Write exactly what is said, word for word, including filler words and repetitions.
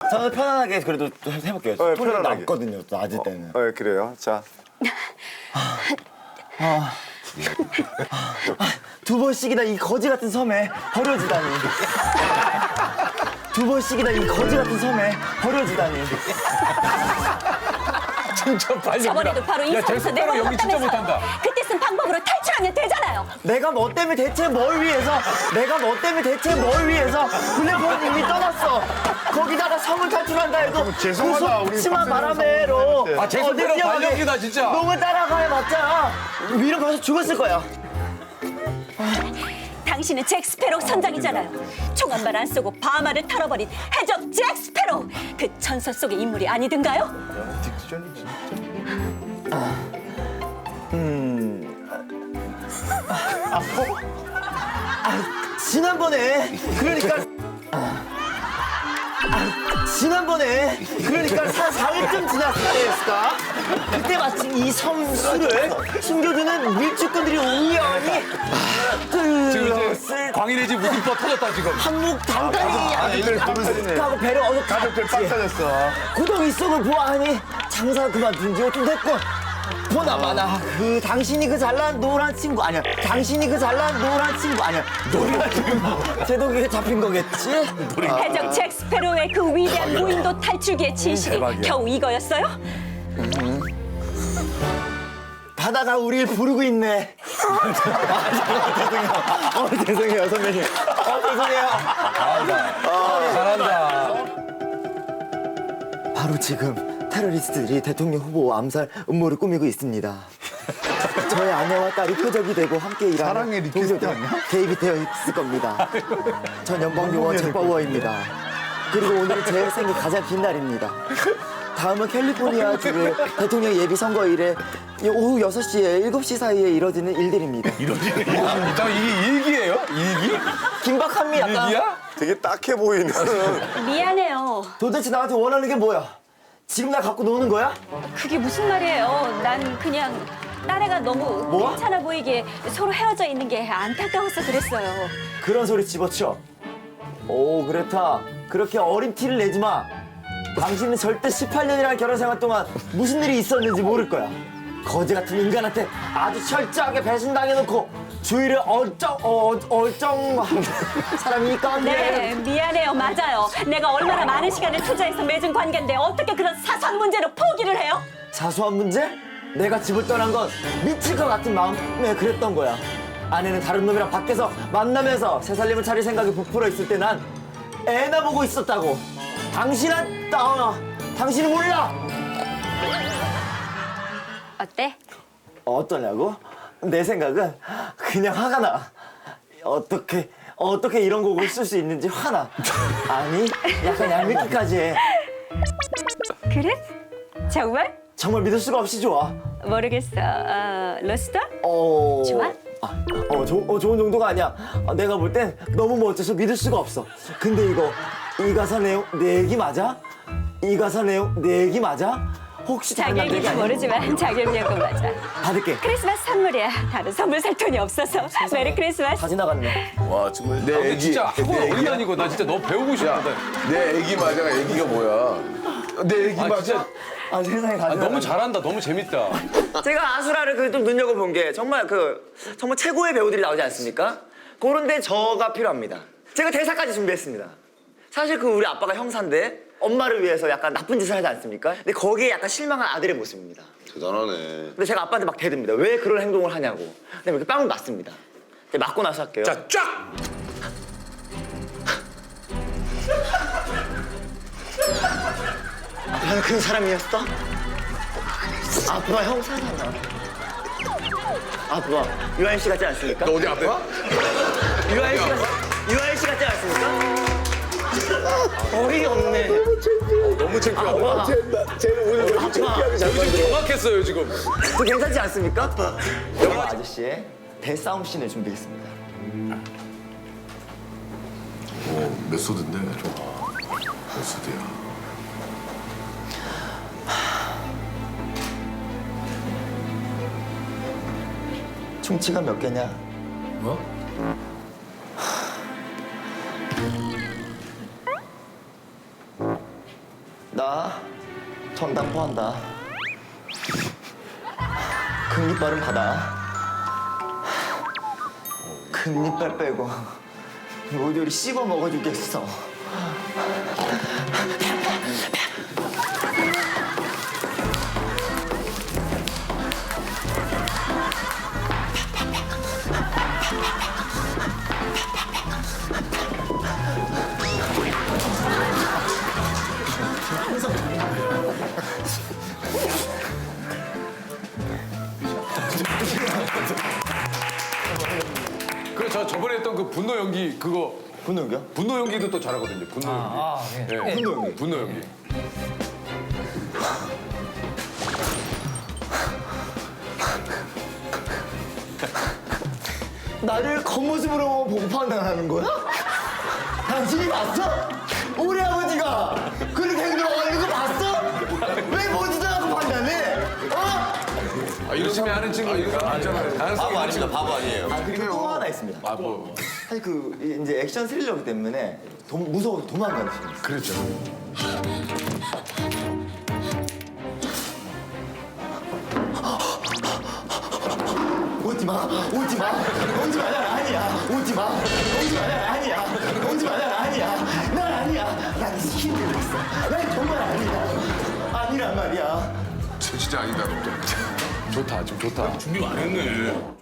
저는 편안하게 그래도 좀 해볼게요. 네, 톤이 편안하게. 낮거든요, 또 낮을 때는. 네, 그래요. 자, 두 번씩이나 이 거지 같은 섬에 버려지다니. 두 번씩이나 이 거지 같은 섬에 버려지다니. 진짜 빨리. 저번에도 바로 이 야, 섬에서 제스페로 연기 진짜 내려놓았다면서요. 못한다. 그때 쓴 방법으로 탈출하면 되잖아요. 내가 뭐 때문에 대체 뭘 위해서 내가 뭐 때문에 대체 뭘 위해서 블랙홀은 이미 떠났어. 거기다가 섬을 탈출한다 해도 죄송하다, 그 우리 심한 박세롬 바람에로 선배님한테. 아, 제스페로 어디 뛰어가게 발령기다, 진짜. 너무 따라가야봤자 위로 가서 죽었을 거야. 당신은 잭 스페로 선장이잖아요. 총 한 발 안 쏘고 바하마를 털어버린 해적 잭 스페로. 그 전설 속의 인물이 아니든가요? 딕션이 진짜. 지난번에 그러니까 아, 지난번에 그러니까 한 사 일쯤 지났을 때였을까? 그때 마침 이 섬수를 숨겨주는 밀주꾼들이 우연히 지금 이제 들었을 광인의 집 무슨 버 터졌다 지금. 한몫 단단히 가족들 보는 하고 배를 어서 가족들 빵 터졌어. 구덩이 속을 보아하니 장사 그만둔 지 좀 됐고 보나마나 그 당신이 그 잘난 노란 친구 아니야 당신이 그 잘난 노란 친구 아니야 노란 친구 제독이가 잡힌 거겠지? 해적 잭 스페로의 그 위대한 무인도 탈출기의 진실이 대박이야. 겨우 이거였어요? 바다가 우리를 부르고 있네. 어, 죄송해요. 어, 죄송해요, 선배님. 어, 죄송해요. 잘한다. 바로 지금 테러리스트들이 대통령 후보 암살 음모를 꾸미고 있습니다. 저의 아내와 딸이 표적이 되고 함께 일하는 사랑의 리퀘스트 동료들 아니야? 개입이 되어 있을 겁니다. 전 연방요원 잭바우어입니다. 그리고 오늘은 제 생애 가장 긴 날입니다. 다음은 캘리포니아 주의 대통령 예비 선거일에 오후 여섯 시에 일곱 시 사이에 이뤄지는 일들입니다. 나 이게 일기예요? 일기? 긴박함이 약간 일기야? 되게 딱해 보이는. 미안해요. 도대체 나한테 원하는 게 뭐야? 지금 나 갖고 노는 거야? 그게 무슨 말이에요? 난 그냥 딸애가 너무 뭐? 괜찮아 보이기에 서로 헤어져 있는 게 안타까워서 그랬어요. 그런 소리 집어치워. 오, 그렇다. 그렇게 어린 티를 내지 마. 당신은 절대 십팔 년이라는 결혼 생활 동안 무슨 일이 있었는지 모를 거야. 거지 같은 인간한테 아주 철저하게 배신당해놓고 주위를 얼쩡, 어, 얼쩡한 사람이 있건데. 네, 미안해요. 맞아요. 내가 얼마나 많은 시간을 투자해서 맺은 관계인데 어떻게 그런 사소한 문제로 포기를 해요? 사소한 문제? 내가 집을 떠난 건 미칠 것 같은 마음에 그랬던 거야. 아내는 다른 놈이랑 밖에서 만나면서 새 살림을 차릴 생각이 부풀어 있을 때 난 애나 보고 있었다고. 당신은, 어, 당신은 몰라. 어때? 어떠냐고? 내 생각은 그냥 화가 나. 어떻게 어떻게 이런 곡을 쓸 수 있는지 화나. 아니 약간 얄밉기까지 해. 그래? 정말? 정말 믿을 수가 없이 좋아. 모르겠어. 어, 로스터? 어. 좋아? 아, 어, 조, 어 좋은 정도가 아니야. 아, 내가 볼 땐 너무 멋져서 믿을 수가 없어. 근데 이거 이 가사 내용 내 얘기 맞아? 이 가사 내용 내 얘기 맞아? 혹시 다른 자기 남자 얘기 얘기인지 아니야? 모르지만 자기 얘기인 거 맞아. 받을게. 크리스마스 선물이야. 다른 선물 살 돈이 없어서. 메리 크리스마스. 다 지나갔네. 와 정말 내 아, 근데 애기 진짜 학원 내 어디 애기야? 다니고 나 진짜 너 배우고 싶거든. 내 애기 맞아. 애기가 뭐야? 내 애기 아 맞아? 진짜 아 세상에 다 아, 지나갔네. 너무 잘한다. 너무 재밌다. 제가 아수라를 그 좀 눈여겨본 게 정말 그 정말 최고의 배우들이 나오지 않습니까? 그런데 저가 필요합니다. 제가 대사까지 준비했습니다. 사실 그 우리 아빠가 형사인데 엄마를 위해서 약간 나쁜 짓을 하지 않습니까? 근데 거기에 약간 실망한 아들의 모습입니다. 대단하네. 근데 제가 아빠한테 막 대듭니다. 왜 그런 행동을 하냐고. 근데 이렇게 빵을 맞습니다. 이제 맞고 나서 할게요. 자 쫙. 아빠는 그런 사람이었어? 아빠 형사잖아. 아빠 유아인 씨 같지 않습니까? 너 어디 아파? 유아인 씨 같지 유아인 씨 같지 않습니까? 어이없네. 너무 창피하다. 아빠, 쟤는 오늘 너무 창피하게 잘 지금 만들어. 정확했어요 지금. 저 괜찮지 않습니까? 영화 아저씨의 대싸움 씬을 준비했습니다. 오, 몇 소드인데? 몇 소드야? 충치가 몇 개냐? 뭐? 나 전당포한다. 큰 이빨은 받아. 큰 이빨 빼고 모조리 씹어 먹어주겠어. 그래 저 저번에 했던 그 분노 연기 그거 분노 연기야? 분노 연기도 또 잘하거든요. 분노 연기. 아, 네. 예. 분노 연기. 분노 연기. 나를 겉모습으로 보고 판단하는 거야? 당신이 봤어? 우리 아버지가 그렇게 행동하는 거 봤어? 왜 보지도 않고 판단해? 어? 아, 열심히 하는 친구 이런 거 많잖아요. 다양성이 많은 친구. 바보 아니에요. 아 그리고 또 하나 있습니다. 아 뭐. 사실 그 이제 액션 스릴러기 때문에 도, 무서워서 도망가는 친구. 그렇죠. 오지 마, 오지 마, 오지 마, 난 아니야. 오지 마, 오지 마, 난 아니야. 오지 마, 난 아니야. 난 아니야. 난 힘들고 있어. 난 정말 아니야. 아니란 말이야. 진짜 아니다. 좋다, 지금 좋다. 준비 많이 했네.